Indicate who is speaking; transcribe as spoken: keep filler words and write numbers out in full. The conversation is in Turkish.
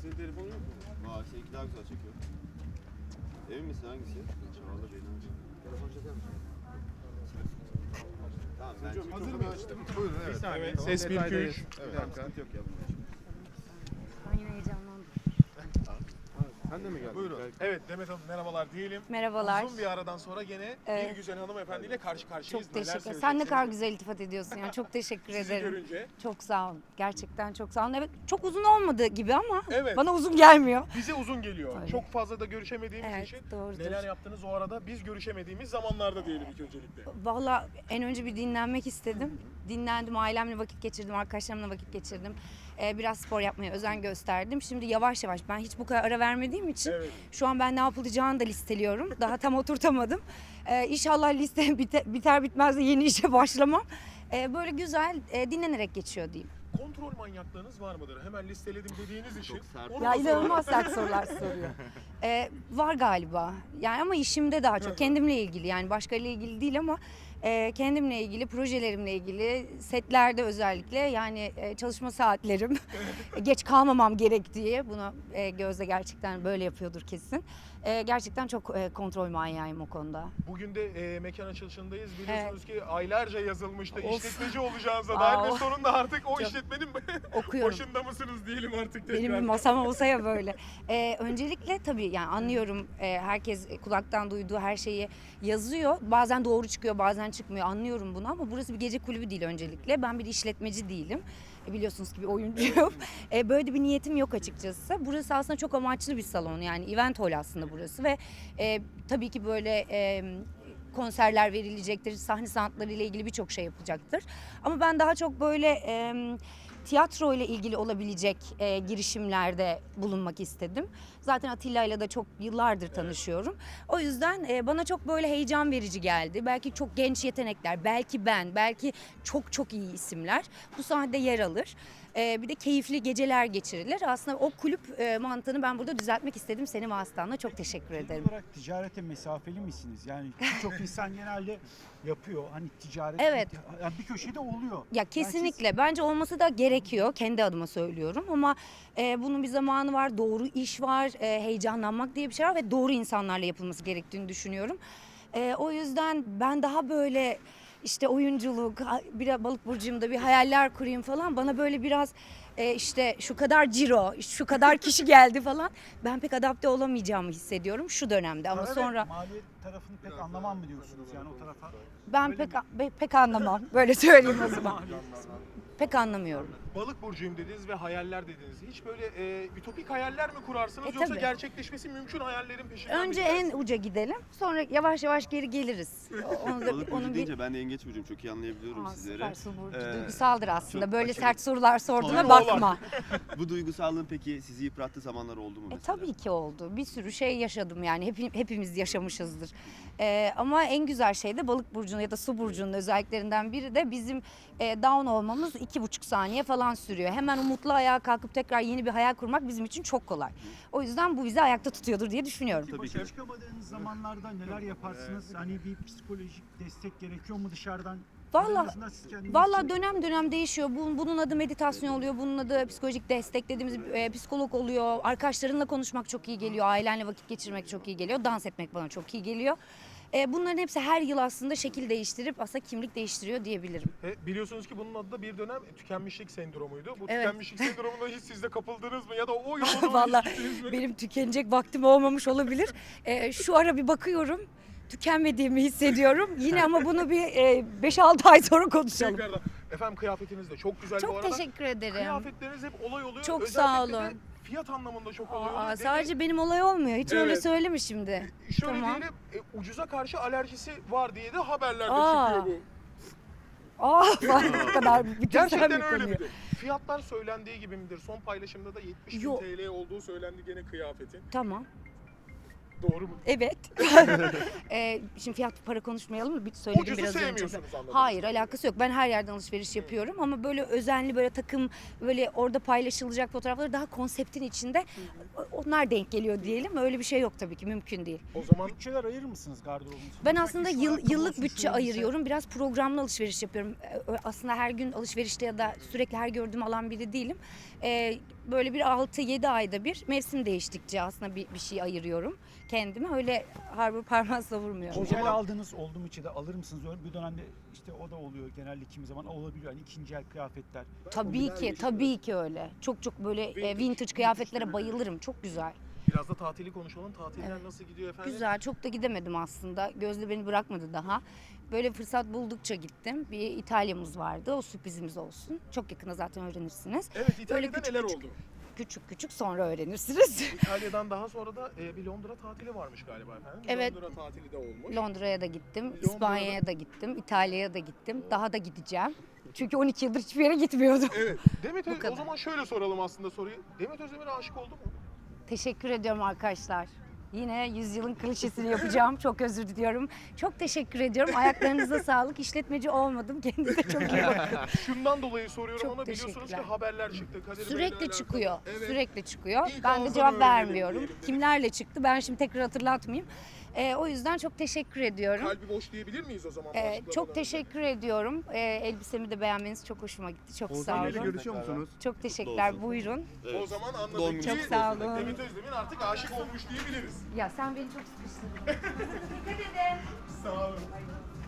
Speaker 1: Senin telefonun yok mu?
Speaker 2: Aa seninki daha güzel çekiyor. Emin misin hangisi? Çağla beni aç.
Speaker 1: Telefon çeker misin?
Speaker 2: Tamam ben
Speaker 1: Hocam,
Speaker 2: çekiyorum.
Speaker 1: hazır mı?
Speaker 3: Buyurun evet.
Speaker 1: Bir saniye.
Speaker 3: Evet,
Speaker 1: Ses bir, iki,
Speaker 3: detaydayız.
Speaker 1: üç.
Speaker 3: Evet.
Speaker 1: Bir dakika. Sıkıntı yok ya.
Speaker 4: Ben yine heyecanlandım.
Speaker 1: Sen de mi geldin?
Speaker 3: Buyurun.
Speaker 1: Belki.
Speaker 5: Evet Demet Hanım merhabalar diyelim.
Speaker 4: Merhabalar.
Speaker 5: Uzun bir aradan sonra gene
Speaker 4: Evet.
Speaker 5: bir güzel hanımefendiyle karşı karşıyayız.
Speaker 4: Çok
Speaker 5: Neler
Speaker 4: teşekkür ederim. Sen ne
Speaker 5: söyleyeceksiniz?
Speaker 4: kadar güzel iltifat ediyorsun yani. Çok teşekkür
Speaker 5: Sizi
Speaker 4: ederim.
Speaker 5: görünce.
Speaker 4: Çok sağ olun. Gerçekten çok sağ olun. Evet, çok uzun olmadı gibi ama
Speaker 5: Evet.
Speaker 4: bana uzun gelmiyor.
Speaker 5: Bize uzun geliyor.
Speaker 4: Öyle.
Speaker 5: Çok fazla da görüşemediğimiz
Speaker 4: Evet,
Speaker 5: için
Speaker 4: doğrudur.
Speaker 5: neler yaptınız o arada biz görüşemediğimiz zamanlarda diyelim ilk öncelikle.
Speaker 4: Valla en önce bir dinlenmek istedim. Dinlendim, ailemle vakit geçirdim, arkadaşlarımla vakit geçirdim. Ee, biraz spor yapmaya özen gösterdim. Şimdi yavaş yavaş, ben hiç bu kadar ara vermediğim için
Speaker 5: Evet.
Speaker 4: şu an ben ne yapılacağını da listeliyorum. Daha tam oturtamadım. Ee, inşallah liste biter, biter bitmez de yeni işe başlamam. Ee, böyle güzel e, dinlenerek geçiyor diyeyim.
Speaker 5: Kontrol manyaklığınız var mıdır? Hemen listeledim dediğiniz için.
Speaker 2: Çok sert.
Speaker 5: Onu
Speaker 4: Ya
Speaker 5: da soralım.
Speaker 4: inanılmaz sert sorular soruyor. Ee, var galiba. Yani ama işimde daha çok kendimle ilgili, yani başkalarıyla ilgili değil ama e, kendimle ilgili, projelerimle ilgili, setlerde özellikle, yani e, çalışma saatlerim, geç kalmamam gerektiği, bunu e, Gözde gerçekten böyle yapıyordur kesin. E, gerçekten çok e, kontrol manyağıyım o konuda.
Speaker 5: Bugün de e, mekan açılışındayız. Biliyorsunuz ki aylarca yazılmıştı.
Speaker 4: Of.
Speaker 5: İşletmeci olacağınıza dair ve
Speaker 4: Wow.
Speaker 5: sonunda artık o
Speaker 4: Çok
Speaker 5: işletmenin
Speaker 4: Okuyorum.
Speaker 5: başında mısınız diyelim artık tekrar.
Speaker 4: Benim bir masam olsa ya böyle. Ee, öncelikle tabii yani anlıyorum, e, herkes kulaktan duyduğu her şeyi yazıyor. Bazen doğru çıkıyor, bazen çıkmıyor. Anlıyorum bunu ama burası bir gece kulübü değil öncelikle. Ben bir işletmeci değilim. E, biliyorsunuz ki bir oyuncuyum. e, böyle de bir niyetim yok açıkçası. Burası aslında çok amaçlı bir salon, yani event hall aslında burası ve e, tabii ki böyle e, konserler verilecektir, sahne sanatları ile ilgili birçok şey yapılacaktır. Ama ben daha çok böyle e, tiyatro ile ilgili olabilecek e, girişimlerde bulunmak istedim. Zaten Atilla ile de çok yıllardır tanışıyorum. O yüzden e, bana çok böyle heyecan verici geldi. Belki çok genç yetenekler, belki ben, belki çok çok iyi isimler bu sahnede yer alır. E, bir de keyifli geceler geçirilir. Aslında o kulüp e, mantığını ben burada düzeltmek istedim. Senin vasıtanla çok teşekkür
Speaker 6: Genel
Speaker 4: ederim.
Speaker 6: olarak ticarete mesafeli misiniz? Yani birçok insan genelde yapıyor. Hani ticaret
Speaker 4: Evet.
Speaker 6: yani bir köşede oluyor.
Speaker 4: Ya kesinlikle bence olması da gerekiyor, kendi adıma söylüyorum ama e, bunun bir zamanı var, doğru iş var, e, heyecanlanmak diye bir şey var ve doğru insanlarla yapılması gerektiğini düşünüyorum. E, o yüzden ben daha böyle işte oyunculuk, ha- bir balık burcumda bir hayaller kurayım falan, bana böyle biraz e, işte şu kadar ciro, şu kadar kişi geldi falan, ben pek adapte olamayacağımı hissediyorum şu dönemde ama
Speaker 6: Para ve
Speaker 4: sonra
Speaker 6: maliyet tarafını pek anlamam mı diyorsunuz yani o tarafa?
Speaker 4: ben
Speaker 6: Öyle
Speaker 4: pek
Speaker 6: mi?
Speaker 4: be- pek anlamam, böyle söyleyeyim o zaman. Pek anlamıyorum.
Speaker 5: Balık burcuyum dediniz ve hayaller dediniz. Hiç böyle e, ütopik hayaller mi kurarsınız
Speaker 4: E,
Speaker 5: yoksa
Speaker 4: tabii.
Speaker 5: gerçekleşmesi mümkün hayallerin peşinden mi
Speaker 4: Önce
Speaker 5: gidersiniz?
Speaker 4: en uca gidelim, sonra yavaş yavaş geri geliriz. Onu da,
Speaker 2: Balık burcu
Speaker 4: onun bir...
Speaker 2: deyince ben de yengeç burcuyum. Çok iyi anlayabiliyorum
Speaker 4: Aa,
Speaker 2: sizleri.
Speaker 4: süper, su burcu.
Speaker 2: Ee,
Speaker 4: Duygusaldır aslında.
Speaker 2: çok
Speaker 4: Böyle
Speaker 2: aşırı-
Speaker 4: sert sorular sorduğuna
Speaker 5: Tabii.
Speaker 4: bakma.
Speaker 2: Bu duygusallığın peki sizi yıprattığı zamanlar oldu mu
Speaker 4: E,
Speaker 2: mesela?
Speaker 4: tabii ki oldu. Bir sürü şey yaşadım yani. Hep, hepimiz yaşamışızdır. E, ama en güzel şey de balık burcunun ya da su burcunun özelliklerinden biri de bizim e, down olmamız iki buçuk saniye falan sürüyor. Hemen umutlu ayağa kalkıp tekrar yeni bir hayal kurmak bizim için çok kolay. O yüzden bu bizi ayakta tutuyordur diye düşünüyorum.
Speaker 2: Tabii
Speaker 6: Başa
Speaker 2: ki.
Speaker 6: çıkamadığınız zamanlarda neler yaparsınız? Hani bir psikolojik destek gerekiyor mu dışarıdan?
Speaker 4: Vallahi-
Speaker 6: En azından siz kendiniz
Speaker 4: Valla
Speaker 6: için-
Speaker 4: dönem dönem değişiyor. Bunun, bunun adı meditasyon oluyor, bunun adı psikolojik destek dediğimiz e, psikolog oluyor. Arkadaşlarınla konuşmak çok iyi geliyor, ailenle vakit geçirmek çok iyi geliyor, dans etmek bana çok iyi geliyor. E, bunların hepsi her yıl aslında şekil değiştirip aslında kimlik değiştiriyor diyebilirim.
Speaker 5: E, biliyorsunuz ki bunun adı da bir dönem tükenmişlik sendromuydu. Bu
Speaker 4: Evet.
Speaker 5: tükenmişlik sendromuna hiç siz de kapıldınız mı ya da o yolda doğru
Speaker 4: Vallahi
Speaker 5: hiç gittiniz mi?
Speaker 4: benim tükenecek vaktim olmamış olabilir. E, şu ara bir bakıyorum, tükenmediğimi hissediyorum. Yine ama bunu bir e, beş altı ay sonra konuşalım.
Speaker 5: Tekrardan. Efendim kıyafetiniz de çok güzel bu
Speaker 4: Çok
Speaker 5: arada.
Speaker 4: teşekkür ederim.
Speaker 5: Kıyafetleriniz hep olay oluyor.
Speaker 4: Çok
Speaker 5: Özellikle
Speaker 4: sağ
Speaker 5: de
Speaker 4: olun.
Speaker 5: fiyat anlamında çok oluyor.
Speaker 4: Aa, sadece benim olay olmuyor. Hiç öyle
Speaker 5: Evet.
Speaker 4: söyleme şimdi.
Speaker 5: Şöyle
Speaker 4: Tamam.
Speaker 5: diyelim, e, ucuza karşı alerjisi var diye de haberlerde
Speaker 4: Aa.
Speaker 5: çıkıyor bu.
Speaker 4: Aa, bu kadar bütün
Speaker 5: Gerçekten
Speaker 4: sen bir
Speaker 5: öyle
Speaker 4: konuyu.
Speaker 5: midir? Fiyatlar söylendiği gibi midir? Son paylaşımda da yetmiş bin
Speaker 4: Yok.
Speaker 5: T L olduğu söylendi gene kıyafetin.
Speaker 4: Tamam.
Speaker 5: Doğru mu?
Speaker 4: Evet. ee, şimdi fiyat para konuşmayalım mı? Bir söyledim
Speaker 5: Ucuzu
Speaker 4: biraz önce.
Speaker 5: sevmiyorsunuz anladım.
Speaker 4: Hayır, alakası yok. Ben her yerden alışveriş yapıyorum ama böyle özenli, böyle takım, böyle orada paylaşılacak fotoğrafları daha konseptin içinde, onlar denk geliyor diyelim. Öyle bir şey yok tabii ki, mümkün değil.
Speaker 5: O zaman
Speaker 6: Bütçeler ayırır mısınız gardırobunuz?
Speaker 4: Ben
Speaker 6: Mesela
Speaker 4: aslında
Speaker 6: iş
Speaker 4: yıl,
Speaker 6: ayakkabı
Speaker 4: yıllık
Speaker 6: olsun,
Speaker 4: bütçe
Speaker 6: şu elbise.
Speaker 4: ayırıyorum. Biraz programlı alışveriş yapıyorum. Ee, Aslında her gün alışverişte ya da sürekli her gördüğüm alan biri değilim. Ee, böyle bir altı yedi ayda bir mevsim değiştikçe aslında bir, bir şey ayırıyorum kendime. Öyle harbi parmağı savurmuyorum.
Speaker 6: İkinci el aldığınız oldu mu içinde alır mısınız? Öyle bir dönemde işte o da oluyor genelde kimi zaman olabiliyor. Hani ikinci el kıyafetler.
Speaker 4: Tabii ki, tabii ki öyle. Çok çok böyle e, vintage kıyafetlere bayılırım. Çok güzel.
Speaker 5: Biraz da tatili konuşalım. Tatiller nasıl gidiyor efendim?
Speaker 4: Güzel, çok da gidemedim aslında. Gözde beni bırakmadı daha. Böyle fırsat buldukça gittim. Bir İtalya'mız vardı, o sürprizimiz olsun. Çok yakına zaten öğrenirsiniz.
Speaker 5: Evet, İtalya'da
Speaker 4: küçük
Speaker 5: neler
Speaker 4: küçük-
Speaker 5: oldu?
Speaker 4: Küçük küçük sonra öğrenirsiniz.
Speaker 5: İtalya'dan daha sonra da e, bir Londra tatili varmış galiba efendim.
Speaker 4: Evet.
Speaker 5: Londra tatili de olmuş.
Speaker 4: Londra'ya da gittim,
Speaker 5: Londra'da-
Speaker 4: İspanya'ya da gittim, İtalya'ya da gittim. Daha da gideceğim. Çünkü on iki yıldır hiçbir yere gitmiyordum.
Speaker 5: Evet. Demet
Speaker 4: Bu
Speaker 5: Öz-
Speaker 4: kadar.
Speaker 5: o zaman şöyle soralım aslında soruyu. Demet Özdemir'e aşık oldun mu?
Speaker 4: Teşekkür ediyorum arkadaşlar. Yine yüzyılın klişesini yapacağım. Çok özür diliyorum. Çok teşekkür ediyorum. Ayaklarınıza sağlık. İşletmeci olmadım. Kendinize çok iyi bakın.
Speaker 5: Şundan dolayı soruyorum
Speaker 4: Çok
Speaker 5: ama biliyorsunuz ki
Speaker 4: teşekkürler.
Speaker 5: haberler çıktı. Kadir Bey'le
Speaker 4: Sürekli
Speaker 5: alakalı.
Speaker 4: çıkıyor.
Speaker 5: Evet.
Speaker 4: Sürekli çıkıyor.
Speaker 5: İlk
Speaker 4: Ben de
Speaker 5: ağızdan
Speaker 4: cevap
Speaker 5: öğrenelim
Speaker 4: vermiyorum.
Speaker 5: diyelim dedik.
Speaker 4: Kimlerle çıktı? Ben şimdi tekrar hatırlatmayayım. Ee, o yüzden çok teşekkür ediyorum.
Speaker 5: Kalbi boş diyebilir miyiz o zaman?
Speaker 4: Ee,
Speaker 5: başlıklardan
Speaker 4: çok
Speaker 5: önce?
Speaker 4: teşekkür ediyorum. Ee, elbisemi de beğenmeniz çok hoşuma gitti. Çok sağ
Speaker 1: Oğuzhan Bey'le
Speaker 4: olun.
Speaker 1: görüşüyor musunuz?
Speaker 4: Çok teşekkürler.
Speaker 2: olsun.
Speaker 4: Buyurun.
Speaker 5: O zaman
Speaker 2: Doğum
Speaker 5: anladık
Speaker 2: günü
Speaker 5: ki
Speaker 4: Çok sağ olun.
Speaker 5: Demet Özdemir artık aşık olmuş diyebiliriz.
Speaker 4: Ya sen beni çok sıkıştırdın. Dikkat edin.
Speaker 5: Sağ olun.